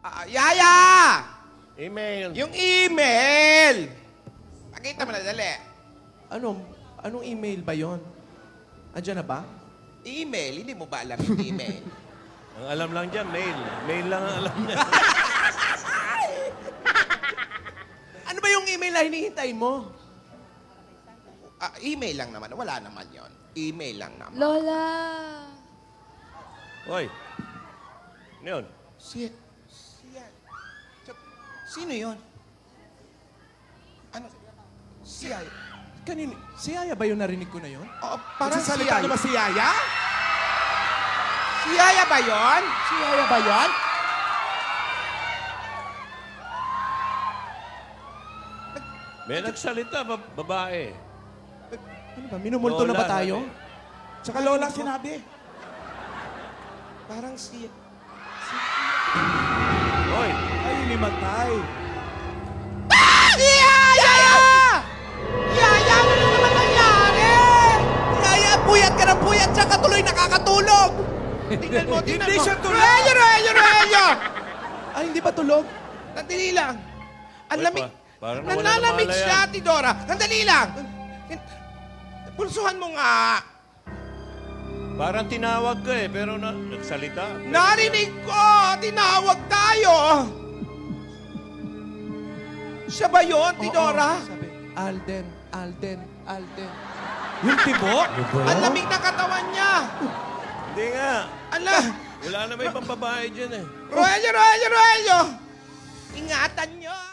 Yaya! Email. Yung email! Pakita mo na, dali. Anong email ba yon? Andiyan na ba? Email? Hindi mo ba alam yung email? Ang alam lang dyan, mail. Mail lang ang alam niya. Ano ba yung email na hinihintay mo? Email lang naman. Wala naman yon. Email lang naman. Lola! Hoy. Ano yun? Sino yun? Ano? Si Yaya. Kanino? Si Yaya ba yung narinig ko na yon? Parang si Nagsasalita Yaya. na ba si Yaya? Si Yaya ba yun? Si Yaya ba yan? May nagsalita, babae. Ano ba? Minumulto na ba Lola, tayo? Tsaka Lola sinabi. Parang si... Hoy. Ay, limatay. Yaya! Yaya, ano na naman nangyari? Yaya, puyat ka ng puyat, tsaka tuloy nakakatulog. Tingnan mo, tingnan Hindi mo. siya tulog. Roelio! Ay, hindi ba tulog? Nandali lang. Ang Hoy, lamig. parang wala Nanlalamig namala siya, yan. Tidora. Nandali lang. Pulsuhan mo nga. Parang tinawag ka eh, pero nagsalita. Narinig ko! Tinawag tayo! Siya ba yun, Tidora? Oo, sabi, Alden, Alden, Alden. Yung tibo? Ang lamig ng katawan niya. Hindi nga. Ala! Wala na may pang babae dyan eh. Roelio! Ingatan niyo!